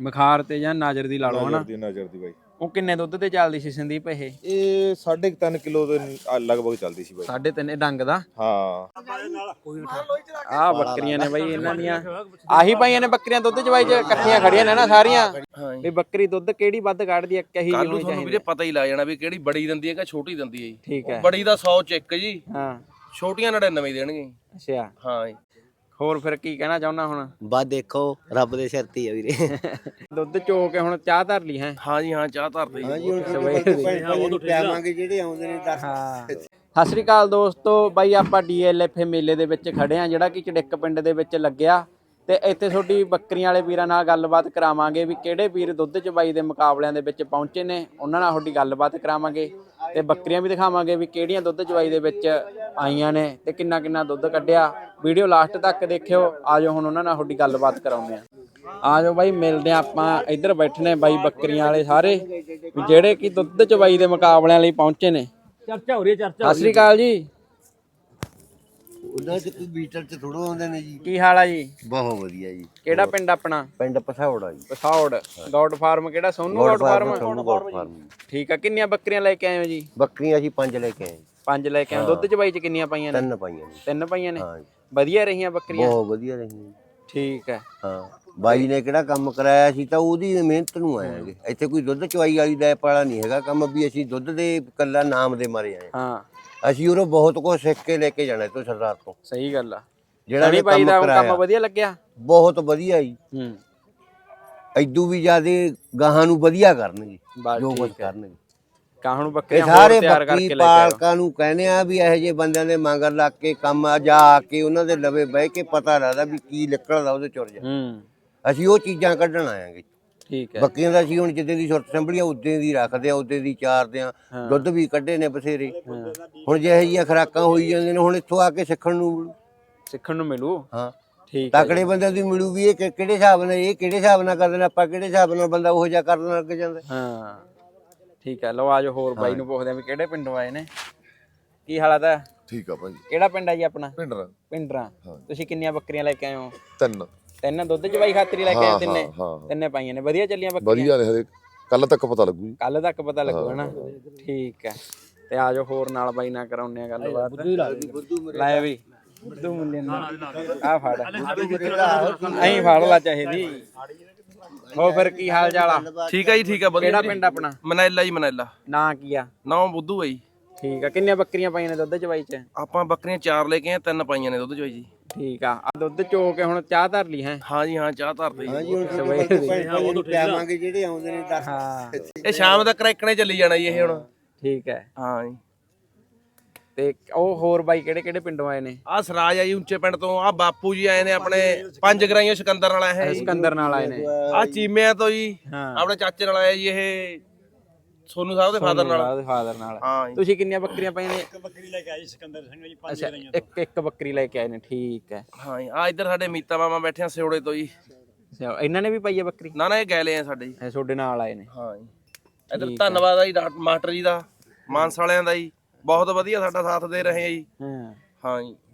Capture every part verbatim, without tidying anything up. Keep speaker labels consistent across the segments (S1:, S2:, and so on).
S1: ਬੁਖਾਰ ਤੇ ਜਾਂ ਨਜ਼ਰ ਦੀ ਲਾ ਲਓ ਹਨਾ।
S2: ਨਜ਼ਰ ਦੀ ਨਜ਼ਰ ਦੀ ਬਾਈ।
S1: ਉਹ ਕਿੰਨੇ ਦੁੱਧ ਤੇ ਚੱਲਦੀ ਸੀ ਸੰਦੀਪ ਇਹ?
S2: ਇਹ ਸਾਢੇ ਕੁ ਤਿੰਨ ਕਿਲੋ ਦੇ ਲਗਭਗ ਚੱਲਦੀ ਸੀ ਬਾਈ।
S1: ਸਾਢੇ ਤਿੰਨ ਡੰਗ ਦਾ।
S2: ਹਾਂ
S1: ਆਹ ਬੱਕਰੀਆਂ ਨੇ ਬਾਈ ਇਹਨਾਂ ਦੀਆਂ, ਆਹੀ ਪਾਈਆਂ ਨੇ ਬੱਕਰੀਆਂ ਦੁੱਧ ਚਵਾਈ ਚ ਇਕੱਠੀਆਂ ਖੜੀਆਂ ਨੇ ਨਾ ਸਾਰੀਆਂ, ਵੀ ਬੱਕਰੀ ਦੁੱਧ ਕਿਹੜੀ ਵੱਧ ਕੱਢਦੀ ਹੈ ਕਹੀ
S3: ਕੱਲ ਨੂੰ ਤੁਹਾਨੂੰ ਵੀਰੇ ਪਤਾ ਹੀ ਲੱਗ ਜਾਣਾ ਵੀ ਕਿਹੜੀ ਬੜੀ ਦਿੰਦੀ ਹੈ ਕਿ ਛੋਟੀ ਦਿੰਦੀ ਹੈ ਜੀ।
S1: ਠੀਕ ਹੈ।
S3: ਬੜੀ ਦਾ ਸੌ ਚ ਇੱਕ ਜੀ,
S1: ਹਾਂ
S3: ਛੋਟੀਆਂ ਨੜਿਨਵੇਂ ਦੇਣਗੇ।
S1: ਅੱਛਾ
S3: ਹਾਂ ਜੀ।
S1: ਹੋਰ ਫਿਰ ਕੀ ਕਹਿਣਾ ਚਾਹੁੰਦਾ ਹੁਣ?
S4: ਬਸ ਦੇਖੋ ਰੱਬ ਦੇ ਸਿਰ ਤੇ ਆ ਵੀਰੇ।
S1: ਦੁੱਧ ਚੋ ਕੇ ਹੁਣ ਚਾਹ ਧਰ ਲਈ ਹੈ?
S3: ਹਾਂ ਜੀ ਹਾਂ, ਚਾਹ ਧਰਦੇ
S4: ਹਾਂਜੀ ਹੁਣ ਤੁਹਾਨੂੰ ਪਿਆਵਾਂਗੇ ਜਿਹੜੇ ਆਉਂਦੇ ਨੇ ਦਸ।
S1: ਹਾਂ ਸਤਿ ਸ੍ਰੀ ਅਕਾਲ ਦੋਸਤੋ, ਬਾਈ ਆਪਾਂ ਡੀ ਐਲ ਐਫ ਮੇਲੇ ਦੇ ਵਿੱਚ ਖੜੇ ਆ ਜਿਹੜਾ ਕਿ ਚੜਿੱਕ ਪਿੰਡ ਦੇ ਵਿੱਚ ਲੱਗਿਆ, ਤੇ ਇੱਥੇ ਤੁਹਾਡੀ ਬੱਕਰੀਆਂ ਵਾਲੇ ਵੀਰਾਂ ਨਾਲ ਗੱਲਬਾਤ ਕਰਾਵਾਂਗੇ ਵੀ ਕਿਹੜੇ ਵੀਰ ਦੁੱਧ ਚਵਾਈ ਦੇ ਮੁਕਾਬਲਿਆਂ ਦੇ ਵਿੱਚ ਪਹੁੰਚੇ ਨੇ, ਉਹਨਾਂ ਨਾਲ ਤੁਹਾਡੀ ਗੱਲਬਾਤ ਕਰਾਵਾਂਗੇ ਤੇ ਬੱਕਰੀਆਂ ਵੀ ਦਿਖਾਵਾਂਗੇ ਵੀ ਕਿਹੜੀਆਂ ਦੁੱਧ ਚਵਾਈ ਦੇ ਵਿੱਚ ਆਈਆਂ ਨੇ ਤੇ ਕਿੰਨਾ ਕਿੰਨਾ ਦੁੱਧ ਕੱਢਿਆ। ਵੀਡੀਓ ਲਾਸਟ ਤੱਕ ਦੇਖਿਓ। ਆਜੋ ਹੁਣ ਉਹਨਾਂ ਨਾਲ ਤੁਹਾਡੀ ਗੱਲਬਾਤ ਕਰਾਉਂਦੇ ਆ। ਆਜੋ ਬਾਈ ਮਿਲਦੇ ਆ ਆਪਾਂ। ਇੱਧਰ ਬੈਠੇ ਨੇ ਬਾਈ ਬੱਕਰੀਆਂ ਵਾਲੇ ਸਾਰੇ ਵੀ ਜਿਹੜੇ ਕਿ ਦੁੱਧ ਚਵਾਈ ਦੇ ਮੁਕਾਬਲਿਆਂ ਲਈ ਪਹੁੰਚੇ ਨੇ।
S5: ਚਰਚਾ ਹੋ ਰਹੀ ਹੈ, ਚਰਚਾ
S1: ਸਤਿ ਸ੍ਰੀ ਅਕਾਲ ਜੀ।
S4: ਉਹਨਾਂ ਚ ਕੋਈ ਮੀਟਰ ਚ ਥੋੜੋ ਆਉਂਦੇ ਨੇ ਜੀ।
S1: ਕੀ ਹਾਲ ਆ ਜੀ?
S4: ਬਹੁਤ ਵਧੀਆ ਜੀ।
S1: ਕਿਹੜਾ ਪਿੰਡ ਆਪਣਾ?
S4: ਪਿੰਡ ਪਸੌੜਾ ਜੀ।
S1: ਪਸੌੜ। ਗੌਡ ਫਾਰਮ ਕਿਹੜਾ? ਸੋਨੂ ਗੌਡ ਫਾਰਮ।
S4: ਸੋਨੂ ਗੌਡ ਫਾਰਮ।
S1: ਠੀਕ ਆ। ਕਿੰਨੀਆਂ ਬੱਕਰੀਆਂ ਲੈ ਕੇ ਆਏ ਹੋ ਜੀ?
S4: ਬੱਕਰੀਆਂ ਅਸੀਂ ਪੰਜ ਲੈ ਕੇ ਆਏ।
S1: ਪੰਜ ਲੈ ਕੇ ਆਏ। ਦੁੱਧ ਚਵਾਈ ਚ ਕਿੰਨੀਆਂ ਪਾਈਆਂ ਨੇ?
S4: ਤਿੰਨ ਪਾਈਆਂ ਨੇ।
S1: ਤਿੰਨ ਪਾਈਆਂ ਨੇ।
S4: ਹਾਂ ਜੀ।
S1: ਵਧੀਆ ਰਹੀਆਂ ਬੱਕਰੀਆਂ?
S4: ਬਹੁਤ ਵਧੀਆ ਰਹੀਆਂ।
S1: ਠੀਕ ਹੈ।
S4: ਹਾਂ ਬਾਈ ਨੇ ਕਿਹੜਾ ਕੰਮ ਕਰਾਇਆ ਸੀ ਤਾਂ ਉਹਦੀ ਮਿਹਨਤ ਨੂੰ ਆਏਗੇ। ਇੱਥੇ ਕੋਈ ਦੁੱਧ ਚਵਾਈ ਵਾਲੀ ਦਾ ਪਾਲਾ ਨਹੀਂ ਹੈਗਾ ਕੰਮ, ਵੀ ਅਸੀਂ ਦੁੱਧ ਦੇ ਇਕੱਲਾ ਨਾਮ ਦੇ ਮਾਰੇ ਆਏ।
S1: ਹਾਂ
S4: ਅਸੀਂ ਉਹਨੂੰ ਬਹੁਤ ਕੁਝ ਸਿੱਖ ਕੇ ਲੈ ਕੇ ਜਾਣਾ ਤੋਂ ਸਰਦਾਰ ਤੋਂ।
S1: ਸਹੀ ਗੱਲ ਆ।
S4: ਜਿਹੜਾ
S1: ਸਣੀ ਬਾਈ ਦਾ ਕੰਮ ਵਧੀਆ ਲੱਗਿਆ?
S4: ਬਹੁਤ ਵਧੀਆ ਜੀ।
S1: ਹੂੰ
S4: ਐਦੂ ਵੀ ਜ਼ਿਆਦੇ ਗਾਹਾਂ ਨੂੰ ਵਧੀਆ ਕਰਨਗੇ
S1: ਬਸ
S4: ਜੋ ਕੁਝ
S1: ਠੀਕ ਹੈ।
S4: ਕਰਨਗੇ।
S1: ਕਾਹਨੂੰ
S4: ਇਹ
S1: ਬੱਕਰੀਆਂ ਹੋਰ
S4: ਸਾਰੇ
S1: ਤਿਆਰ
S4: ਬੱਕਰੀ
S1: ਕਰਕੇ ਲੈ ਕੇ ਆਇਓ।
S4: ਪਾਲਕਾਂ ਨੂੰ ਕਹਿੰਦੇ ਆ ਵੀ ਇਹੋ ਜਿਹੇ ਬੰਦਿਆਂ ਦੇ ਮਗਰ ਲੱਗ ਕੇ ਕੰਮ ਆ ਜਾ ਕੇ ਉਹਨਾਂ ਦੇ ਲਵੇ ਬਹਿ ਕੇ ਪਤਾ ਲੱਗਦਾ ਵੀ ਕੀ ਨਿਕਲਦਾ ਉਹਦੇ ਚੁਰ ਜਾ।
S1: ਹੂੰ
S4: ਅਸੀਂ ਉਹ ਚੀਜ਼ਾਂ ਕੱਢਣ ਆਵਾਂਗੇ।
S1: ਠੀਕ ਹੈ।
S4: ਬੱਕਰੀਆਂ ਦਾ ਅਸੀਂ ਹੁਣ ਜਿੱਦੇ ਦੀ ਸੁਰਤ ਸੰਭਲੀ ਆ ਉਦੇ ਦੀ ਰੱਖਦੇ ਆ, ਉਦੇ ਦੀ ਚਾਰਦੇ ਆ। ਦੁੱਧ ਵੀ ਕੱਢੇ ਨੇ ਬਥੇਰੇ। ਹੁਣ ਜਿਹੇ ਜਿਹੀਆਂ ਖੁਰਾਕਾਂ ਹੋਈ ਜਾਂਦੀਆਂ ਨੇ ਹੁਣ ਇੱਥੋਂ ਆ ਕੇ ਸਿੱਖਣ ਨੂੰ ਮਿਲੂ।
S1: ਸਿੱਖਣ ਨੂੰ ਮਿਲੂ।
S4: ਹਾਂ
S1: ਠੀਕ ਹੈ।
S4: ਤਕੜੇ ਬੰਦਿਆਂ ਦੀ ਮਿਲੂ ਵੀ ਇਹ ਕਿ- ਕਿਹੜੇ ਹਿਸਾਬ ਨਾਲ ਇਹ ਕਿਹੜੇ ਹਿਸਾਬ ਨਾਲ ਕਰਦੇ ਨੇ, ਆਪਾਂ ਕਿਹੜੇ ਹਿਸਾਬ ਨਾਲ ਬੰਦਾ ਉਹੋ ਜਿਹਾ ਕਰਨ ਲੱਗ ਜਾਂਦਾ।
S1: ਹਾਂ ਠੀਕ ਹੈ। ਲਓ ਆਜੋ ਹੋਰ ਬਾਈ ਨੂੰ ਪੁੱਛਦੇ ਆ ਵੀ ਕਿਹੜੇ ਪਿੰਡੋਂ ਆਏ ਨੇ। ਕੀ ਹਾਲਾਤ ਹੈ?
S2: ਠੀਕ ਆ ਭਾਈ।
S1: ਕਿਹੜਾ ਪਿੰਡ ਹੈ ਜੀ ਆਪਣਾ?
S2: ਪਿੰਡਰਾ।
S1: ਪਿੰਡਰਾ। ਤੁਸੀਂ ਕਿੰਨੀਆਂ ਬੱਕਰੀਆਂ ਲੈ ਕੇ ਆਏ ਹੋ?
S2: ਤਿੰਨ।
S1: ਤਿੰਨ ਦੁੱਧ ਚਵਾਈ ਖਾਤਰੀ ਲੈ ਕੇ ਆਏ ਤਿੰਨੇ?
S2: ਹਾਂ
S1: ਤਿੰਨੇ ਪਾਈਆਂ ਨੇ। ਵਧੀਆ ਚੱਲੀਆਂ ਬੱਕਰੀਆਂ?
S2: ਵਧੀਆ ਨੇ। ਹਰੇ ਕੱਲ ਤੱਕ ਪਤਾ ਲੱਗੂ ਜੀ।
S1: ਕੱਲ ਤੱਕ ਪਤਾ ਲੱਗੂ ਹਨਾ। ਠੀਕ ਹੈ। ਤੇ ਆਜੋ ਹੋਰ ਨਾਲ ਬਾਈ ਨਾਲ ਕਰਾਉਂਦੇ ਆ ਗੱਲਬਾਤ। ਲੈ ਵੀ ਬੁੱਧੂ ਮੁੱਲੇ ਆ ਫੜ ਐਂ ਫੜ ਲਾ ਚਾਹੀਦੀ। ਹੋ ਫਿਰ ਕੀ ਹਾਲ ਚਾਲ ਆ?
S3: ਠੀਕ ਹੈ ਜੀ, ਠੀਕ ਹੈ ਵਧੀਆ।
S1: ਕਿਹੜਾ ਪਿੰਡ ਆਪਣਾ?
S3: ਮਨੈਲਾ ਜੀ, ਮਨੈਲਾ।
S1: ਨਾਂ ਕੀ ਆ?
S3: ਨੌ ਬੁੱਧੂ ਹੈ ਜੀ।
S1: ਠੀਕ ਆ। ਕਿੰਨੀਆਂ ਬੱਕਰੀਆਂ ਪਾਈਆਂ ਨੇ ਦੁੱਧ ਚਵਾਈ ਚ?
S3: ਆਪਾਂ ਬੱਕਰੀਆਂ ਚਾਰ ਲੈ ਕੇ ਆਏ, ਤਿੰਨ ਪਾਈਆਂ ਨੇ ਦੁੱਧ ਚੋਈ ਜੀ।
S1: ਠੀਕ ਆ। ਆਹ ਦੁੱਧ ਚੋ ਕੇ ਹੁਣ ਚਾਹ ਧਰ ਲਈ ਹੈ?
S3: ਹਾਂ ਜੀ ਹਾਂ, ਚਾਹ ਧਰਦੇ ਜੀ।
S4: ਹਾਂਜੀ ਹੁਣ ਤੁਹਾਨੂੰ ਪਿਆਵਾਂਗੇ ਜਿਹੜੇ ਆਉਂਦੇ ਨੇ ਦਸ।
S1: ਹਾਂ
S3: ਇਹ ਸ਼ਾਮ ਤੱਕ ਰੈਕਣੇ ਚੱਲੀ ਜਾਣਾ ਜੀ ਇਹ ਹੁਣ।
S1: ਠੀਕ ਹੈ।
S3: ਹਾਂ ਜੀ।
S1: ਤੇ ਉਹ ਹੋਰ ਬਾਈ ਕਿਹੜੇ ਕਿਹੜੇ ਪਿੰਡੋਂ ਆਏ ਨੇ?
S3: ਆਹ ਸਰਾਜ ਆ ਜੀ ਉੱਚੇ ਪਿੰਡ ਤੋਂ। ਆਹ ਬਾਪੂ ਜੀ ਆਏ ਨੇ ਆਪਣੇ ਪੰਜ ਗਰਾਈਆਂ ਸਿਕੰਦਰ ਨਾਲ ਆਏ ਹੈ ਜੀ।
S1: ਸਿਕੰਦਰ ਨਾਲ ਆਏ ਨੇ।
S3: ਆਹ ਚੀਮਿਆਂ ਤੋਂ ਜੀ
S1: ਹਾਂ
S3: ਆਪਣੇ ਚਾਚੇ ਨਾਲ ਆਇਆ ਜੀ ਇਹ ਸੋਨੂ ਸਾਹਿਬ ਦੇ ਫਾਦਰ ਨਾਲ।
S1: ਉਹਦੇ ਫਾਦਰ ਨਾਲ।
S3: ਹਾਂ ਜੀ।
S1: ਤੁਸੀਂ ਕਿੰਨੀਆਂ ਬੱਕਰੀਆਂ ਪਾਈਆਂ ਨੇ?
S5: ਇੱਕ ਬੱਕਰੀ ਲੈ ਕੇ ਆਈ ਸਿਕੰਦਰ ਸਿੰਘ ਜੀ, ਪੰਜ
S1: ਅੱਛਾ ਇੱਕ ਇੱਕ ਬੱਕਰੀ ਲੈ ਕੇ ਆਏ ਨੇ। ਠੀਕ ਹੈ।
S3: ਹਾਂ ਜੀ। ਆ ਇੱਧਰ ਸਾਡੇ ਮੀਤਾ ਮਾਮਾ ਬੈਠੇ ਆ ਸਿਉੜੇ ਤੋਂ ਜੀ।
S1: ਅੱਛਾ ਇਹਨਾਂ ਨੇ ਵੀ ਪਾਈ ਹੈ ਬੱਕਰੀ?
S3: ਨਾ ਨਾ ਇਹ ਗੈਲੇ ਆ ਸਾਡੇ ਜੀ।
S1: ਇਹ ਤੁਹਾਡੇ ਨਾਲ ਆਏ ਨੇ?
S3: ਹਾਂ ਜੀ। ਇੱਧਰ ਧੰਨਵਾਦ ਆ ਜੀ ਡਾਕਟਰ ਮਾਸਟਰ ਜੀ ਦਾ, ਮਾਨਸ ਵਾਲਿਆਂ ਦਾ ਜੀ। ਬਹੁਤ ਵਧੀਆ ਸਾਡਾ ਸਾਥ ਦੇ ਰਹੇ ਆ ਜੀ।
S1: ਹਾਂ
S3: ਹਾਂ ਜੀ।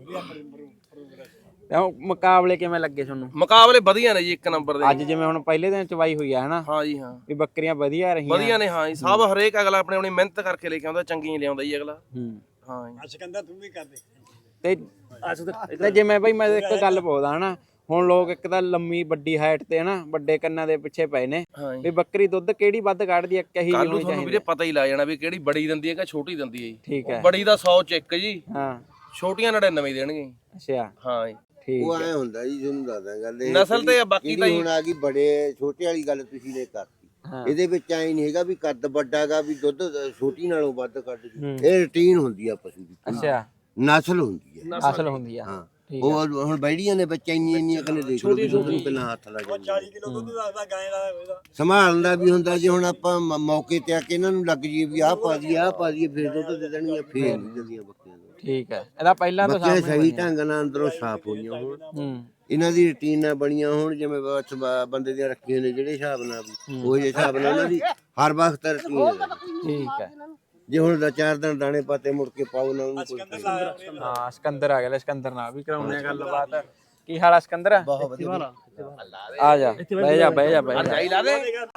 S1: ਤੇ ਉਹ ਮੁਕਾਬਲੇ ਕਿਵੇਂ ਲੱਗੇ ਤੁਹਾਨੂੰ?
S3: ਮੁਕਾਬਲੇ ਵਧੀਆ ਨੇ ਜੀ, ਇੱਕ ਨੰਬਰ ਦੇ।
S1: ਅੱਜ ਜਿਵੇਂ ਹੁਣ ਪਹਿਲੇ ਦਿਨ ਚਵਾਈ ਹੋਈ ਆ ਹਨਾ,
S3: ਹਾਂ ਜੀ ਹਾਂ,
S1: ਵੀ ਬੱਕਰੀਆਂ ਵਧੀਆ ਰਹੀਆਂ?
S3: ਵਧੀਆ ਨੇ। ਹਾਂ ਜੀ। ਸਭ ਹਰੇਕ ਅਗਲਾ ਆਪਣੀ ਆਪਣੀ ਮਿਹਨਤ ਕਰਕੇ ਲੈ ਕੇ ਆਉਂਦਾ, ਚੰਗੀ ਲਿਆਉਂਦਾ ਜੀ ਅਗਲਾ।
S1: ਹੂੰ
S3: ਹਾਂ ਜੀ।
S5: ਸਿਕੰਦਰ ਤੂੰ ਵੀ ਕਰਦੇ
S1: ਤੇ ਤੇ ਜਿਵੇਂ ਬਈ ਮੈਂ ਇੱਕ ਗੱਲ ਪੁੱਛਦਾ ਹਨਾ, ਹੁਣ ਲੋਕ ਇੱਕ ਤਾਂ ਲੰਮੀ ਵੱਡੀ ਹਾਈਟ ਤੇ ਹਨਾ ਵੱਡੇ ਕੰਨਾਂ ਦੇ ਪਿੱਛੇ ਪਏ ਨੇ,
S3: ਹਾਂ ਜੀ।
S1: ਵੀ ਬੱਕਰੀ ਦੁੱਧ ਕਿਹੜੀ ਵੱਧ ਕੱਢਦੀ ਹੈ, ਕਹੀ
S3: ਕੱਲ ਨੂੰ
S1: ਹੋਣੀ
S3: ਤੁਹਾਨੂੰ
S1: ਚਾਹੀਦੀ?
S3: ਵੀਰੇ ਪਤਾ ਹੀ ਲੱਗ ਜਾਣਾ ਵੀ ਕਿਹੜੀ ਬੜੀ ਦਿੰਦੀ ਹੈ ਕਿ ਛੋਟੀ ਦਿੰਦੀ ਹੈ ਜੀ।
S1: ਠੀਕ ਹੈ।
S3: ਬੜੀ ਦਾ ਸੌ ਚ ਇੱਕ ਜੀ,
S1: ਹਾਂ
S3: ਛੋਟੀਆਂ ਨੜਿਨਵੇਂ ਦੇਣਗੇ।
S1: ਅੱਛਾ
S3: ਹਾਂ ਜੀ।
S1: ਠੀਕ
S4: ਉਹ
S1: ਹੈ।
S4: ਐ ਹੁੰਦਾ ਜੀ, ਤੁਹਾਨੂੰ ਦੱਸਦਾ ਗੱਲ ਇਹ
S3: ਨਸਲ ਤੇ ਬਾਕੀ ਤਾਂ
S4: ਹੁਣ ਆ ਗਈ ਬੜੇ ਛੋਟੇ ਵਾਲੀ ਗੱਲ ਤੁਸੀਂ ਨੇ ਕਰਤੀ।
S1: ਹਾਂ
S4: ਇਹਦੇ ਵਿੱਚ ਐ ਨਹੀਂ ਹੈਗਾ ਵੀ ਕੱਦ ਵੱਡਾਗਾ ਵੀ ਦੁੱਧ ਛੋਟੀ ਨਾਲੋਂ ਵੱਧ ਕੱਢ ਜੂ। ਇਹ ਰੂਟੀਨ ਹੁੰਦੀ ਆ ਪਸ਼ੂ ਦੀ,
S1: ਅੱਛਾ
S4: ਨਸਲ ਹੁੰਦੀ ਹੈ।
S1: ਅਸਲ ਹੁੰਦੀ ਆ।
S4: ਹਾਂ
S1: ਠੀਕ
S4: ਉਹ ਹੁਣ ਬੈੜੀਆਂ ਦੇ ਬੱਚੇ ਇੰਨੀਆਂ ਇੰਨੀਆਂ ਕਨੇ ਦੇਖ ਲਓ ਵੀ ਦੁੱਧ ਨੂੰ ਪਹਿਲਾਂ ਹੱਥ ਲਾ ਜਾਂਦੇ।
S5: ਚਾਲੀ ਕਿਲੋ ਦੁੱਧ ਦੱਸਦਾ ਗਾਂ ਦਾ ਇਹਦਾ।
S4: ਸੰਭਾਲਣ ਦਾ ਵੀ ਹੁੰਦਾ ਜੇ ਹੁਣ ਆਪਾਂ ਮ- ਮੌਕੇ ਤੇ ਆ ਕੇ ਇਹਨਾਂ ਨੂੰ ਲੱਗ ਜੀਏ ਵੀ ਆਹ ਪਾ ਦਈਏ ਆਹ ਪਾ ਦਈਏ ਫਿਰ ਦੁੱਧ ਦੇ ਦੇਣਗੀਆਂ, ਫੇਰ ਨਹੀਂ ਦਿੰਦੀਆਂ ਬੱਕਰੀਆਂ ਨੂੰ।
S1: ਠੀਕ ਹੈ। ਇਹਦਾ ਪਹਿਲਾਂ ਤਾਂ
S4: ਬੱਕਰੀਆਂ
S1: ਸਾਹਮਣੇ
S4: ਸਹੀ ਢੰਗ ਨਾਲ ਅੰਦਰੋਂ ਸਾਫ਼ ਹੋਈਆਂ ਹੋਣ,
S1: ਹੂੰ
S4: ਇਹਨਾਂ ਦੀ ਰੁਟੀਨ ਨਾਲ ਬਣੀਆਂ ਹੋਣ, ਜਿਵੇਂ ਬਸ ਬ- ਬੰਦੇ ਦੀਆਂ ਰੱਖੀਆਂ ਨੇ ਜਿਹੜੇ ਹਿਸਾਬ ਨਾਲ ਵੀ ਉਹ ਜਿਹੇ ਹਿਸਾਬ ਨਾਲ ਉਹਨਾਂ ਦੀ ਹਰ ਵਕਤ ਰੁਟੀਨ ਹੈ।
S1: ਠੀਕ ਹੈ।
S4: ਜੇ ਹੁਣ ਦਾ ਚਾਰ ਦਿਨ ਦਾਣੇ ਪਾਤੇ ਮੁੜ ਕੇ ਪਾਓ ਨਾ ਉਹਨੂੰ ਕੋਈ
S1: ਹਾਂ ਸਿਕੰਦਰ ਆ ਗਿਆ ਲੈ, ਸਿਕੰਦਰ ਨਾਲ ਵੀ ਕਰਾਉਂਦੇ ਆ ਗੱਲਬਾਤ। ਕੀ ਹਾਲ ਆ ਸਿਕੰਦਰ?
S4: ਬਹੁਤ ਵਧੀਆ
S1: ਆ ਜਾ ਬਹਿ ਜਾ ਬਹਿ ਜਾ ਬਹਿ ਜਾ
S3: ਜਾਈ ਲਾ ਦੇ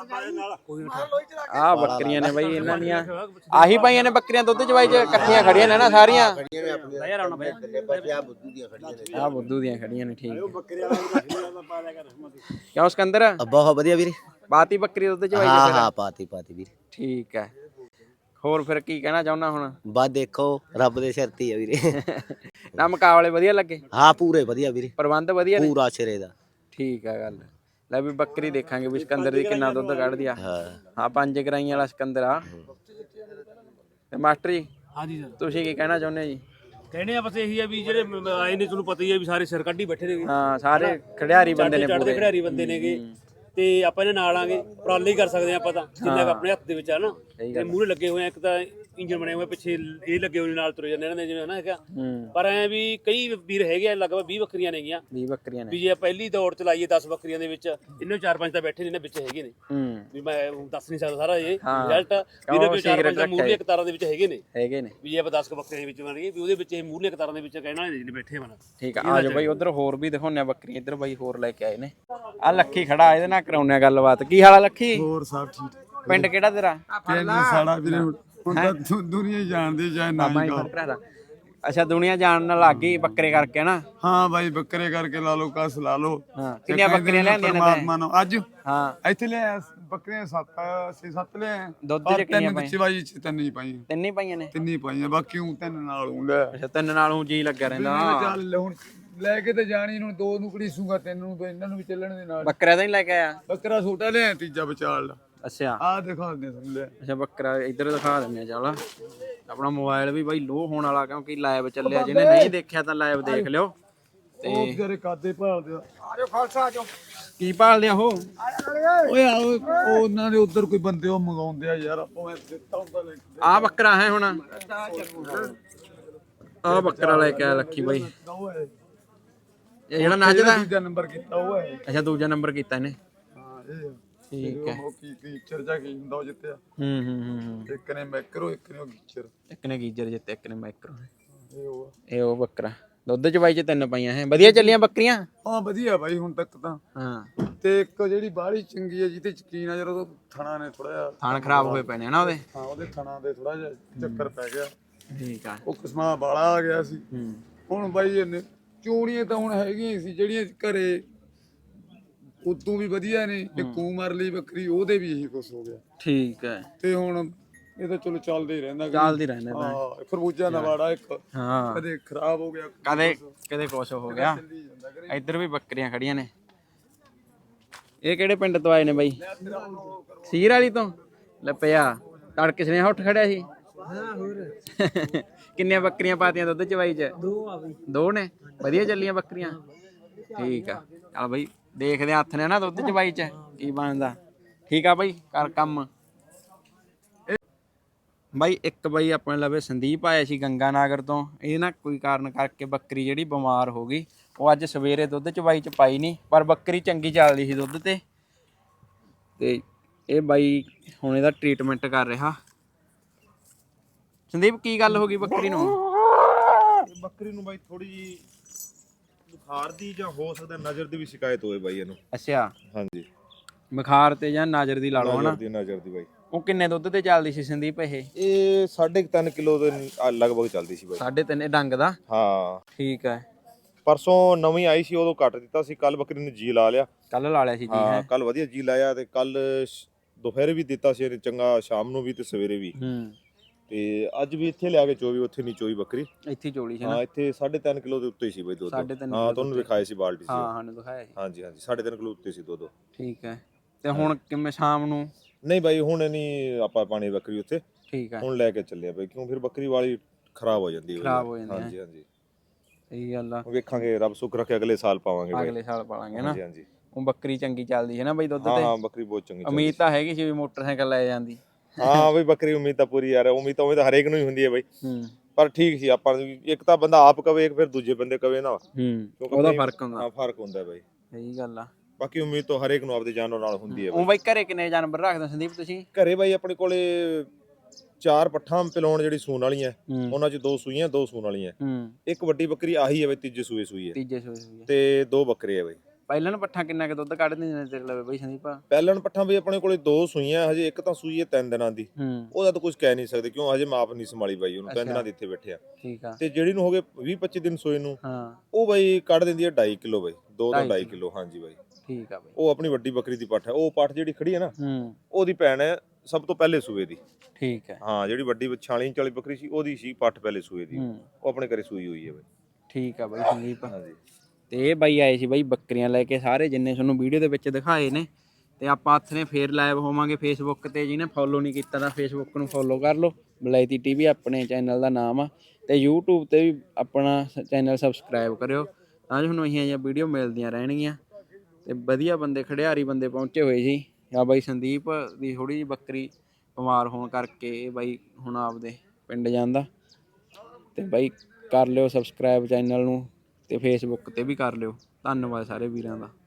S1: ਆ ਬੱਕਰੀਆਂ ਨੇ ਬਾਈ ਇਹਨਾਂ ਦੀਆਂ ਆਹੀ ਪਾਈਆਂ ਨੇ ਬੱਕਰੀਆਂ ਦੁੱਧ ਚ ਬਾਈ ਚ ਇਕੱਠੀਆਂ ਖੜੀਆਂ ਨੇ ਨਾ ਸਾਰੀਆਂ ਆ ਬੁੱਧੂ ਦੀਆਂ ਖੜੀਆਂ ਨੇ ਠੀਕ
S5: ਬੱਕਰੀ ਵਾਲਾ ਵੀ ਪਾ ਲਿਆ ਕਰ
S1: ਕਿਉਂ ਸਿਕੰਦਰ?
S6: ਬਹੁਤ ਵਧੀਆ ਵੀਰੇ।
S1: ਬਾਤੀ ਬੱਕਰੀ ਦੁੱਧ ਚ ਬਾਈ
S6: ਹਾਂ
S1: ਚ
S6: ਹਾਂ ਪਾਤੀ ਪਾਤੀ ਵੀਰੇ।
S1: ਠੀਕ ਹੈ ਹੋਰ ਫਿਰ ਕੀ ਕਹਿਣਾ ਚਾਹੁੰਦਾ ਹੁਣ?
S6: ਬਸ ਦੇਖੋ ਰੱਬ ਦੇ ਸਿਰ ਤੇ ਹੀ ਆ ਵੀਰੇ।
S1: ਨਾ ਮੁਕਾਬਲੇ ਵਧੀਆ ਲੱਗੇ?
S6: ਹਾਂ ਪੂਰੇ ਵਧੀਆ ਵੀਰੇ,
S1: ਪ੍ਰਬੰਧ ਵਧੀਆ ਨੇ?
S6: ਪੂਰਾ ਸਿਰੇ ਦਾ।
S1: ਠੀਕ ਆ ਗੱਲ। ਲੈ ਵੀ ਬੱਕਰੀ ਦੇਖਾਂਗੇ ਵੀ ਸਿਕੰਦਰ ਦੀ ਕਿੰਨਾ ਦੁੱਧ ਕੱਢਦੀ ਆ।
S6: ਹਾਂ
S1: ਹਾਂ ਪੰਜ ਗਰਾਈਆਂ ਵਾਲਾ ਸਿਕੰਦਰ ਆ। ਤੇ ਮਾਸਟਰ ਜੀ
S5: ਹਾਂਜੀ ਸਰ
S1: ਤੁਸੀਂ ਕੀ ਕਹਿਣਾ ਚਾਹੁੰਦੇ ਜੀ?
S5: ਕਹਿੰਦੇ ਆ ਬਸ ਇਹੀ ਆ ਵੀ ਜਿਹੜੇ ਆਏ ਨੇ ਤੁਹਾਨੂੰ ਪਤਾ ਹੀ ਆ ਵੀ ਸਾਰੇ ਸਿਰ ਕੱਢੀ ਬੈਠੇ ਨੇ
S1: ਹਾਂ ਸਾਰੇ ਖੜਿਆਰੀ ਬੰਦੇ ਨੇ
S5: ਚੜਦੇ
S1: ਪੂਰੇ।
S5: ਖਿਡਾਰੀ ਬੰਦੇ ਨੇਗੇ ਤੇ ਆਪਾਂ ਇਹਦੇ ਨਾਲ ਆਂਗੇ ਉਪਰਾਲੇ ਹੀ ਕਰ ਸਕਦੇ ਆ ਆਪਾਂ ਤਾਂ ਜਿੰਨਾ ਕੁ ਆਪਣੇ ਹੱਥ ਦੇ ਵਿੱਚ ਆ ਨਾ ਤੇ ਮੂਹਰੇ ਲੱਗੇ ਹੋਏ ਆ ਇੱਕ ਤਾਂ ਇੰਜਨ ਬਣੇ ਹੋਏ ਪਿੱਛੇ ਇਹ ਲੱਗੇ ਹੋਏ ਨਾਲ ਤੁਰੇ ਜਾਂਦੇ ਇਹਨਾਂ ਦੇ ਜਿਵੇਂ ਹਨਾ ਹੈਗਾ
S1: ਹੂੰ
S5: ਪਰ ਐ ਵੀ ਕਈ ਵੀਰ ਹੈਗੇ ਆ ਲਗਭਗ ਵੀਹ ਬੱਕਰੀਆਂ ਨੇਗੀਆਂ
S1: ਵੀਹ ਬੱਕਰੀਆਂ ਨੇ
S5: ਵੀ ਜੇ ਪਹਿਲੀ ਦੌੜ ਚਲਾਈਏ ਦਸ ਬੱਕਰੀਆਂ ਦੇ ਵਿੱਚ ਇਹਨੇ ਚਾਰ ਪੰਜ ਤਾਂ ਬੈਠੇ ਨੇ ਇਹਨਾਂ ਵਿੱਚ ਹੈਗੇ ਨੇ
S1: ਹੂੰ
S5: ਵੀ ਮੈਂ ਦੱਸ ਨਹੀਂ ਸਕਦਾ ਸਾਰਾ ਇਹ
S1: ਹਾਂ।
S5: ਰਿਜ਼ਲਟ ਵੀ ਇਹਦੇ ਵਿੱਚ ਚਾਰ ਪੰਜ ਤਾਂ ਮੂਹਰਲੀਆਂ ਕਤਾਰਾਂ ਦੇ ਵਿੱਚ ਹੈਗੇ ਨੇ
S1: ਹੈਗੇ ਨੇ।
S5: ਵੀ ਜੇ ਆਪਾਂ ਦਸ ਕ ਬੱਕਰੀਆਂ ਦੇ ਵਿੱਚ ਬਣ ਗਏ ਵੀ ਉਹਦੇ ਵਿੱਚ ਇਹ ਮੂਹਰਲੀਆਂ ਕਤਾਰਾਂ ਦੇ ਵਿੱਚ ਕਹਿਣ ਵਾਲੇ ਜਿਹੜੇ ਬੈਠੇ ਹਨ
S1: ਠੀਕ ਆ ਆ ਜਾਓ ਬਾਈ ਉਧਰ ਹੋਰ ਵੀ ਦਿਖਾਉਂਦੇ ਆ ਬੱਕਰੀਆਂ ਇੱਧਰ ਬਾਈ ਹੋਰ ਲੈ ਕੇ ਆਏ ਨੇ। ਆ ਲੱਖੀ ਖੜਾ ਇਹਦੇ ਨਾਲ ਕਰਾਉਂਦੇ ਆ ਗੱਲਬਾਤ। ਕੀ ਹਾਲ ਆ ਲੱਖੀ?
S7: ਹੋਰ ਸਭ ਠੀਕ
S1: ਪਿੰਡ ਕਿਹੜਾ ਤੇਰਾ?
S7: ਪਿੰਡ ਸਾਡਾ ਵੀਰੇ ਹੁਣ ਹੁਣ ਤਾਂ ਦੁ- ਦੁਨੀਆ ਹੀ ਜਾਣਦੀ ਚਾਹੇ ਨਾ
S1: ਬਾਬਾ
S7: ਹੀ
S1: ਜੀ
S7: ਕਹੋ।
S1: ਭਰਾ ਦਾ। ਅੱਛਾ ਦੁਨੀਆ ਜਾਣਨ ਲੱਗ ਗਈ ਬੱਕਰੇ ਕਰਕੇ ਨਾ।
S7: ਹਾਂ ਬਾਈ ਬੱਕਰੇ ਕਰਕੇ ਲਾ ਲਓ ਕਸ ਲਾ ਲਓ
S1: ਹਾਂ ਕਿੰਨੀਆਂ ਬੱਕਰੀਆਂ ਲਿਆਂਦੀਆਂ ਨੇ
S7: ਪਰਮਾਤਮਾ ਨੂੰ ਅੱਜ
S1: ਹਾਂ
S7: ਇੱਥੇ ਲਿਆ ਬੱਕਰੀਆਂ ਸੱਤ ਛੇ ਸੱਤ ਲਿਆ
S1: ਦੁੱਧ ਚ ਕਿੰਨੀਆਂ ਪਾਈਆਂ?
S7: ਬੱਚੇ ਬਾਈ ਚ ਤਿੰਨ ਹੀ ਪਾਈਆਂ
S1: ਤਿੰਨ ਹੀ ਪਾਈਆਂ ਨੇ?
S7: ਤਿੰਨ ਹੀ ਪਾਈਆਂ ਬਾਕੀ ਉਹ ਤਿੰਨ ਨਾਲ ਹੂੰ ਲੈ
S1: ਅੱਛਾ ਤਿੰਨ ਨਾਲ ਊਂ ਜੀ ਲੱਗਿਆ ਰਹਿੰਦਾ।
S7: ਚੱਲ ਹੁਣ ਲੈ ਕੇ ਤੇ ਜਾਣੀ ਨੂੰ ਦੋ ਨੂੰ ਘੜੀਸੂਗਾ ਤਿੰਨ ਨੂੰ ਤੇ ਇਹਨਾਂ ਨੂੰ ਵੀ ਚੱਲਣ ਦੇ ਨਾਲ
S1: ਬੱਕਰਾ ਤਾਂ ਨਹੀਂ ਲੈ ਕੇ ਆਇਆ?
S7: ਬੱਕਰਾ ਛੋਟਾ ਲਿਆ ਤੀਜਾ ਵਿਚਾਲ ਦਾ
S1: ਅੱਛਾ
S7: ਆਹ ਦਿਖਾ ਦੇ ਸੁਣ ਲੈ
S1: ਅੱਛਾ ਬੱਕਰਾ ਇੱਧਰ ਦਿਖਾ ਦਿੰਦੇ ਆ ਚੱਲ। ਆਪਣਾ ਮੋਬਾਈਲ ਵੀ ਬਾਈ ਲੋ ਹੋਣ ਵਾਲਾ ਕਿਉਂਕਿ ਲਾਈਵ ਚੱਲਿਆ ਜਿਹਨੇ ਨਹੀਂ ਦੇਖਿਆ ਤਾਂ ਲਾਈਵ ਦੇਖ ਲਿਓ।
S7: ਉਹ ਵਿਚਾਰੇ ਕਾਦੇ ਭਾਲਦੇ ਆ ਆਜੋ ਖਾਲਸਾ ਆਜੋ
S1: ਕੀ ਭਾਲਦੇ ਆ ਉਹ?
S7: ਓਏ ਆ ਉਹ ਉਹਨਾਂ ਦੇ ਉਧਰ ਕੋਈ ਬੰਦੇ ਉਹ ਮੰਗਾਉਂਦੇ ਆ ਯਾਰ ਆਪਾਂ ਮੈਂ ਦਿੱਤਾ ਹੁੰਦਾ ਲੈ ਕੇ
S1: ਆ ਬੱਕਰਾ ਹੈ ਹੁਣ ਆ ਬੱਕਰਾ ਲੈ ਕੇ ਆਇਆ ਲੱਖੀ ਬਾਈ।
S7: ਉਹ ਹੈ
S1: ਇਹ ਜਿਹੜਾ ਨੱਚਦਾ?
S7: ਤੀਜਾ ਨੰਬਰ ਕੀਤਾ ਉਹ ਹੈ
S1: ਅੱਛਾ ਦੂਜਾ ਨੰਬਰ ਕੀਤਾ ਇਹਨੇ।
S7: ਹਾਂ ਇਹ
S1: ਠੀਕ ਹੈ।
S7: ਉਹ ਕੀ ਕੀ ਚਰਜਾ ਕੀ ਹੁੰਦਾ ਉਹ ਜਿੱਤਿਆ
S1: ਹੂੰ ਹੂੰ ਹੂੰ
S7: ਇੱਕ ਨੇ ਮੈਕਰੋ ਇੱਕ ਨੇ ਉਹ ਗੀਚਰ
S1: ਇੱਕ ਨੇ ਗੀਜਰ ਜਿੱਤੇ ਇੱਕ ਨੇ ਮਾਈਕਰੋ।
S7: ਇਹ ਉਹ ਆ।
S1: ਇਹ ਉਹ ਬੱਕਰਾ ਦੁੱਧ ਚ ਬਾਈ ਚ ਤਿੰਨ ਪਾਈਆਂ ਹੈ। ਵਧੀਆ ਚੱਲੀਆਂ ਬੱਕਰੀਆਂ?
S7: ਹਾਂ ਵਧੀਆ ਬਾਈ ਹੁਣ ਤੱਕ ਤਾਂ
S1: ਹਾਂ
S7: ਤੇ ਇੱਕ ਜਿਹੜੀ ਬਾਹਲੀ ਚੰਗੀ ਹੈ ਜਿਹਤੇ ਯਕੀਨ ਆ ਜਦੋਂ ਥਣਾ ਨੇ ਥੋੜਾ ਜਿਹਾ
S1: ਥਾਣ ਖਰਾਬ ਹੋਏ ਪਏ ਨੇ ਨਾ ਉਹਦੇ।
S7: ਹਾਂ ਉਹਦੇ ਥਣਾ ਦੇ ਥੋੜਾ ਜਿਹਾ ਚੱਕਰ ਪੈ ਗਿਆ
S1: ਠੀਕ ਆ।
S7: ਉਹ ਕਿਸਮਾਂ ਵਾਲਾ ਆ ਗਿਆ ਸੀ
S1: ਹੂੰ
S7: ਹੁਣ ਬਾਈ ਇਹਨੇ ਚੂੜੀਆਂ ਤਾਂ ਹੁਣ ਹੈਗੀਆਂ ਹੀ ਸੀ ਜਿਹੜੀਆਂ ਘਰੇ ਉਦੋਂ ਵੀ ਵਧੀਆ ਨੇ ਇੱਕ ਕੂ ਮਰ ਲਈ ਬੱਕਰੀ ਉਹਦੇ ਵੀ ਇਹੀ ਕੁਛ ਹੋ ਗਿਆ
S1: ਠੀਕ ਹੈ।
S7: ਤੇ ਹੁਣ ਇਹ ਤਾਂ ਚਲੋ ਚੱਲਦਾ ਹੀ ਰਹਿੰਦਾ
S1: ਚੱਲਦੀ ਰਹਿੰਦਾ ਤਾਂ।
S7: ਹਾਂ ਖਰਬੂਜਾ ਦਾ ਵਾੜਾ ਇੱਕ
S1: ਹਾਂ
S7: ਕਦੇ ਖਰਾਬ ਹੋ ਗਿਆ
S1: ਕਦੇ ਕਦੇ ਕੁਛ ਹੋ ਗਿਆ।
S7: ਚੱਲੀ ਜਾਂਦਾ ਕਰੇ
S1: ਇੱਧਰ ਵੀ ਬੱਕਰੀਆਂ ਖੜੀਆਂ ਨੇ। ਇਹ ਕਿਹੜੇ ਪਿੰਡ ਤੋਂ ਆਏ ਨੇ ਬਾਈ? ਸੀਰ ਵਾਲੀ ਤੋਂ? ਲੈ ਪਿਆ ਤੜਕੇ ਸਨੇ ਉੱਠ ਖੜਿਆ ਸੀ। ਹਾਂ ਹੋਰ ਕਿੰਨੀਆਂ ਬੱਕਰੀਆਂ ਪਾਤੀਆਂ ਦੁੱਧ ਚ ਬਾਈ ਚ? ਦੋ ਆ ਬਈ। ਦੋ ਨੇ? ਵਧੀਆ ਚੱਲੀਆਂ ਬੱਕਰੀਆਂ? ਠੀਕ ਆ ਚੱਲ ਬਾਈ ਦੇਖਦੇ ਹੱਥ ਨੇ ਨਾ ਦੁੱਧ ਚ ਬਾਈ ਚ ਕੀ ਬਣਦਾ। ਠੀਕ ਆ ਬਾਈ ਕਰ ਕੰਮ। ਬਾਈ ਇੱਕ ਬਾਈ ਆਪਣੇ ਲਵੇ ਸੰਦੀਪ ਆਇਆ ਸੀ ਗੰਗਾ ਨਗਰ ਤੋਂ। ਇਹ ਨਾ ਕੋਈ ਕਾਰਨ ਕਰਕੇ ਬੱਕਰੀ ਜਿਹੜੀ ਬਿਮਾਰ ਹੋ ਗਈ। ਉਹ ਅੱਜ ਸਵੇਰੇ ਦੁੱਧ ਚ ਬਾਈ ਚ ਪਾਈ ਨਹੀਂ ਪਰ ਬੱਕਰੀ ਚੰਗੀ ਚੱਲਦੀ ਸੀ ਦੁੱਧ ਤੇ। ਤੇ ਇਹ ਬਾਈ ਹੁਣ ਇਹਦਾ ਟ੍ਰੀਟਮੈਂਟ ਕਰ ਰਿਹਾ। ਸੰਦੀਪ ਕੀ ਗੱਲ ਹੋ ਗਈ ਬੱਕਰੀ ਨੂੰ?
S2: ਬੱਕਰੀ ਨੂੰ ਬਾਈ ਥੋੜੀ ਜੀ ਬੁਖਾਰ ਦੀ ਜਾਂ ਹੋ ਸਕਦਾ ਨਜ਼ਰ ਦੀ ਵੀ ਸ਼ਿਕਾਇਤ ਹੋਵੇ ਬਾਈ ਇਹਨੂੰ।
S1: ਅੱਛਾ
S2: ਹਾਂਜੀ
S1: ਬੁਖਾਰ ਤੇ ਜਾਂ ਨਜ਼ਰ ਦੀ ਲਾ ਲਓ ਹਨਾ।
S2: ਨਜ਼ਰ ਦੀ ਨਜ਼ਰ ਦੀ ਬਾਈ।
S1: ਉਹ ਕਿੰਨੇ ਦੁੱਧ ਤੇ ਚੱਲਦੀ ਸੀ ਸੰਦੀਪ? ਇਹ
S2: ਇਹ ਸਾਢੇ ਕੁ ਤਿੰਨ ਕਿਲੋ ਦੇ ਆ ਲਗਭਗ ਚੱਲਦੀ ਸੀ ਬਾਈ।
S1: ਸਾਢੇ ਤਿੰਨ ਡੰਗ ਦਾ?
S2: ਹਾਂ
S1: ਠੀਕ ਹੈ।
S2: ਪਰਸੋਂ ਨਵੀਂ ਆਈ ਸੀ ਉਦੋਂ ਕੱਟ ਦਿੱਤਾ ਸੀ। ਕੱਲ ਬੱਕਰੀ ਨੇ ਜੀ ਲਾ ਲਿਆ।
S1: ਕੱਲ ਲਾ ਲਿਆ ਸੀ ਜੀ
S2: ਹਾਂ
S1: ਹੈ?
S2: ਕੱਲ ਵਧੀਆ ਜੀ ਲਾਇਆ ਤੇ ਕੱਲ ਦੁਪਹਿਰੇ ਵੀ ਦਿੱਤਾ ਸੀ ਇਹਨੇ ਚੰਗਾ, ਸ਼ਾਮ ਨੂੰ ਵੀ ਤੇ ਸਵੇਰੇ ਵੀ।
S1: ਹੂੰ
S2: ਤੇ ਅੱਜ ਵੀ ਇੱਥੇ ਲਿਆ ਕੇ ਚੋਈ, ਉੱਥੇ ਨਹੀਂ ਚੋਈ ਬੱਕਰੀ।
S1: ਇੱਥੇ ਚੋਲੀ ਸੀ ਨਾ?
S2: ਹਾਂ ਇੱਥੇ ਸਾਢੇ ਤਿੰਨ ਕਿਲੋ ਦੇ ਉੱਤੇ ਸੀ ਬਾਈ ਦੁੱਧ।
S1: ਸਾਢੇ ਤਿੰਨ
S2: ਹਾਂ ਤੁਹਾਨੂੰ ਦਿਖਾਏ ਸੀ ਬਾਲਟੀ ਸੀ।
S1: ਹਾਂ ਸਾਨੂੰ ਦਿਖਾਇਆ ਸੀ।
S2: ਹਾਂਜੀ ਹਾਂਜੀ ਸਾਢੇ ਤਿੰਨ ਕਿਲੋ ਉੱਤੇ ਸੀ ਦੁੱਧ।
S1: ਠੀਕ ਹੈ। ਤੇ ਹੁਣ ਕਿਵੇਂ ਸ਼ਾਮ ਨੂੰ?
S2: ਨਹੀਂ ਬਾਈ ਹੁਣ ਨਹੀਂ ਆਪਾਂ ਪਾਣੀ ਬੱਕਰੀ ਉੱਥੇ।
S1: ਠੀਕ ਹੈ
S2: ਹੁਣ ਲੈ ਕੇ ਚੱਲੇ ਆ ਬਾਈ ਕਿਉਂ ਫਿਰ ਬੱਕਰੀ ਵਾਲੀ ਖਰਾਬ ਹੋ ਜਾਂਦੀ ਹੈ।
S1: ਖਰਾਬ ਹੋ ਜਾਂਦੀ ਹੈ।
S2: ਹਾਂਜੀ ਹਾਂਜੀ
S1: ਸਹੀ ਗੱਲ ਆ।
S2: ਵੇਖਾਂਗੇ ਰੱਬ ਸੁੱਖ ਰੱਖੇ ਅਗਲੇ ਸਾਲ ਪਾਵਾਂਗੇ ਬਾਈ।
S1: ਅਗਲੇ ਸਾਲ ਪਾਲਾਂਗੇ ਨਾ।
S2: ਹਾਂਜੀ ਹਾਂਜੀ
S1: ਉਹ ਬੱਕਰੀ ਚੰਗੀ ਚੱਲਦੀ ਹੈ ਨਾ ਬਈ ਦੁੱਧ
S2: ਹਾਂ
S1: ਤੇ?
S2: ਹਾਂ ਬੱਕਰੀ ਬਹੁਤ ਚੰਗੀ ਚੱਲਦੀ
S1: ਉਮੀਦ ਤਾਂ ਹੈਗੀ ਸੀ ਵੀ ਮੋਟਰਸਾਈਕਲ ਲੈ ਜਾਂਦੀ।
S2: ਹਾਂ ਬਈ ਬੱਕਰੀ ਉਮੀਦ ਤਾਂ ਪੂਰੀ ਯਾਰ। ਉਮੀਦ ਤਾਂ ਉਮੀਦ ਤਾਂ ਹਰੇਕ ਨੂੰ ਹੀ ਹੁੰਦੀ ਹੈ ਬਾਈ।
S1: ਹੂੰ
S2: ਪਰ ਠੀਕ ਸੀ ਆਪਾਂ ਨੂੰ ਇੱਕ ਤਾਂ ਬੰਦਾ ਆਪ ਕਵੇ ਇੱਕ ਫਿਰ ਦੂਜੇ ਬੰਦੇ ਕਵੇ ਨਾ।
S1: ਹੂੰ
S2: ਕਿਉਂਕਿ
S1: ਉਹਦਾ
S2: ਆਪਣੀ-
S1: ਫਰਕ ਹੁੰਦਾ।
S2: ਹਾਂ ਫਰਕ ਹੁੰਦਾ ਬਾਈ।
S1: ਸਹੀ ਗੱਲ ਆ।
S2: ਬਾਕੀ ਉਮੀਦ ਤਾਂ ਹਰੇਕ ਨੂੰ ਆਪਦੇ ਜਾਨਵਰ ਨਾਲ ਹੁੰਦੀ ਹੈ
S1: ਉਹ ਬਾਈ ਘਰੇ ਕਿੰਨੇ ਜਾਨਵਰ ਰੱਖਦੇ ਹੋ ਸੰਦੀਪ ਤੁਸੀਂ?
S2: ਘਰੇ ਬਾਈ ਆਪਣੇ ਕੋਲੇ ਚਾਰ ਪੱਠਾਂ ਪਿਲਾਉਣ ਜਿਹੜੀ ਸੂਣ ਵਾਲੀਆਂ
S1: ਹੂੰ
S2: ਉਹਨਾਂ 'ਚ ਦੋ ਸੂਈਆਂ ਦੋ ਸੂਣ ਵਾਲੀਆਂ।
S1: ਹੂੰ
S2: ਇੱਕ ਵੱਡੀ ਬੱਕਰੀ ਆਹੀ ਹੈ ਬਈ ਤੀਜੇ ਸੂਏ ਸੂਈ ਹੈ
S1: ਤੀਜੇ ਸੂਏ ਹੋਈ ਹੈ।
S2: ਤੇ ਦੋ ਬੱਕਰੇ ਆ ਬਈ।
S1: ਪਹਿਲਾਂ ਪੱਠਾ ਕਿੰਨਾ ਕੁ ਦੁੱਧ ਕੱਢ ਦਿੰਦੇ ਨੇ ਤੇਰੇ ਲਵੇ ਬਈ ਸੰਦੀਪ?
S2: ਪਹਿਲਣ ਪੱਠਾਂ ਬਈ ਆਪਣੇ ਕੋਲੇ ਦੋ ਸੂਈਆਂ, ਹਜੇ ਇੱਕ ਤਾਂ ਸੂਈ ਹੈ ਤਿੰਨ ਦਿਨਾਂ ਦੀ,
S1: ਹੂੰ
S2: ਉਹਦਾ ਤਾਂ ਕੁਝ ਕਹਿ ਨਹੀਂ ਸਕਦੇ ਕਿਉਂ ਹਜੇ ਮਾਪ ਨਹੀਂ ਸੰਭਾਲੀ ਬਾਈ ਉਹਨੂੰ, ਤਿੰਨ
S1: ਅੱਛਾ।
S2: ਦਿਨਾਂ ਦੀ ਇੱਥੇ ਬੈਠੇ ਆ।
S1: ਠੀਕ ਆ।
S2: ਤੇ ਜਿਹੜੀ ਨੂੰ ਹੋ ਗਏ ਵੀਹ ਪੱਚੀ ਦਿਨ ਸੂਏ ਨੂੰ,
S1: ਹਾਂ
S2: ਉਹ ਬਾਈ ਕੱਢ ਦਿੰਦੀ ਹੈ ਢਾਈ ਕਿਲੋ ਬਾਈ, ਦੋ ਤੋਂ
S1: ਢਾਈ
S2: ਢਾਈ ਕਿਲੋ। ਹਾਂਜੀ ਬਾਈ
S1: ਠੀਕ ਆ ਬਈ।
S2: ਉਹ ਆਪਣੀ ਵੱਡੀ ਬੱਕਰੀ ਦੀ ਪੱਠ ਹੈ। ਉਹ ਪੱਠ ਜਿਹੜੀ ਖੜੀ ਹੈ ਨਾ
S1: ਹੂੰ
S2: ਉਹਦੀ ਭੈਣ ਹੈ ਸਭ ਤੋਂ ਪਹਿਲੇ ਸੂਏ ਦੀ।
S1: ਠੀਕ ਹੈ।
S2: ਹਾਂ ਜਿਹੜੀ ਵੱਡੀ ਛਿਆਲੀ ਇੰਚ ਵਾਲੀ ਬੱਕਰੀ ਸੀ ਉਹਦੀ ਸੀ ਪੱਠ ਪਹਿਲੇ ਸੂਏ ਦੀ,
S1: ਹੂੰ
S2: ਉਹ ਆਪਣੇ ਘਰੇ ਸੂਈ ਹੋਈ ਹੈ ਬਾਈ।
S1: ਠੀਕ ਆ ਬਈ ਸੰਦੀਪ।
S2: ਹਾਂਜੀ
S1: ਤੇ ਇਹ ਬਾਈ ਆਏ ਸੀ ਬਾਈ ਬੱਕਰੀਆਂ ਲੈ ਕੇ, ਸਾਰੇ ਜਿੰਨੇ ਤੁਹਾਨੂੰ ਵੀਡੀਓ ਦੇ ਵਿੱਚ ਦਿਖਾਏ ਨੇ। ਤੇ ਆਪਾਂ ਹੱਥ ਨੇ ਫੇਰ ਲਾਈਵ ਹੋਵਾਂਗੇ ਫੇਸਬੁੱਕ ਤੇ, ਜਿਹਨੇ ਫੋਲੋ ਨਹੀਂ ਕੀਤਾ ਤਾਂ ਫੇਸਬੁੱਕ ਨੂੰ ਫੋਲੋ ਕਰ ਲਓ, ਬਲੈਤੀ ਟੀਵੀ ਆਪਣੇ ਚੈਨਲ ਦਾ ਨਾਮ ਆ। ਤੇ YouTube ਤੇ ਵੀ ਆਪਣਾ ਚੈਨਲ ਸਬਸਕ੍ਰਾਈਬ ਕਰਿਓ ਤਾਂ ਜੋ ਤੁਹਾਨੂੰ ਇਹੀਆਂ ਜਿਹੀਆਂ ਵੀਡੀਓ ਮਿਲਦੀਆਂ ਰਹਿਣਗੀਆਂ। ਤੇ ਵਧੀਆ ਬੰਦੇ ਖੜਿਆਰੀ ਬੰਦੇ ਪਹੁੰਚੇ ਹੋਏ ਸੀ। ਆ ਬਾਈ ਸੰਦੀਪ ਦੀ ਥੋੜੀ ਜਿਹੀ ਬੱਕਰੀ ਬਿਮਾਰ ਹੋਣ ਕਰਕੇ ਇਹ ਬਾਈ ਹੁਣ ਆਪਦੇ ਪਿੰਡ ਜਾਂਦਾ। ਤੇ ਬਾਈ ਕਰ ਲਿਓ ਸਬਸਕ੍ਰਾਈਬ ਚੈਨਲ ਨੂੰ, ਤੇ ਫੇਸਬੁੱਕ ਤੇ ਵੀ ਕਰ ਲਿਓ। ਧੰਨਵਾਦ ਸਾਰੇ ਵੀਰਾਂ ਦਾ।